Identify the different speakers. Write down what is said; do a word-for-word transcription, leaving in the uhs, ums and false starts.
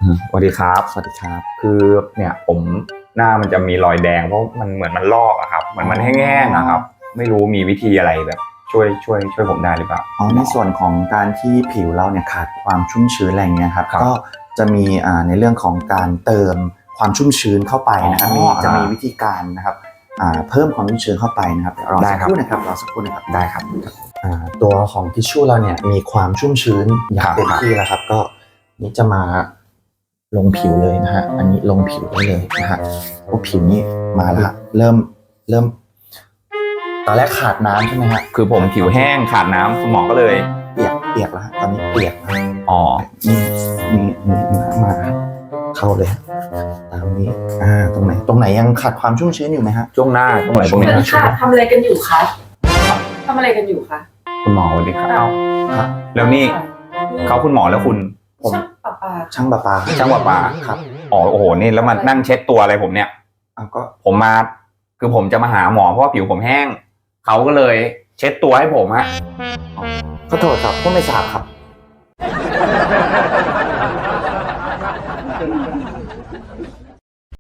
Speaker 1: สวัสดีครับสวัสดีครับคือเนี่ยผมหน้ามันจะมีรอยแดงเพราะมันเหมือนมันลอกอะครับเหมือนมันแห้งๆอะครับไม่รู้มีวิธีอะไรแบบช่วยช่วยช่วยผมได้หรือเปล่า
Speaker 2: อ๋อในส่วนของการที่ผิวเราเนี่ยขาดความชุ่มชื้นอะไรเงี้ยครับก็จะมีอ่าในเรื่องของการเติมความชุ่มชื้นเข้าไปนะครับมีจะมีวิธีการนะครับอ่าเพิ่มความชุ่มชื้นเข้าไปนะครับรอสักครู่นะครับรอสักครู่นะครับได้ครับอ่าตัวของทิชชู่เราเนี่ยมีความชุ่มชื้นอย่างเต็มที่แล้วครับก็นี่จะมาลงผิวเลยนะฮะอันนี้ลงผิวได้เลยนะฮะพวกผิวนี้มาแล้วเริ่มเริ่มตอนแรกขาดน้ำใช่ไหมฮะ
Speaker 1: คือผมผิวแห้งขาดน้ำคุณหมอก็เลย
Speaker 2: เปียกเปียกแล้วตอนนี้เปียกแล้ว
Speaker 1: อ๋อ
Speaker 2: นี่มีมีน้ำมาเข้าเลยตามนี้อ่าตรงไหนตรงไหนยังขาดความชุ่มชื้นอยู่ไหมฮะ
Speaker 1: ช่วงหน้าตรงไหนตรงนี้
Speaker 3: ค่ะทำอะไรกันอยู่คะทำอะไรกันอยู่คะ
Speaker 1: คุณหมอสวัสดีครับครับแล้วนี่เขาคุณหมอแล้วคุณ
Speaker 3: ผม
Speaker 2: ช่างประปา
Speaker 1: ช่างประปา
Speaker 2: ครับ
Speaker 1: อ๋อโอ้โหนี่แล้วมานั่งเช็ดตัวอะไรผมเนี่ย
Speaker 2: อ้าวก็
Speaker 1: ผมมาคือผมจะมาหาหมอเพราะว่าผิวผมแห้งเขาก็เลยเช็ดตัวให้ผมฮะ
Speaker 2: ขอโทษครับก็ไม่ทราบครับ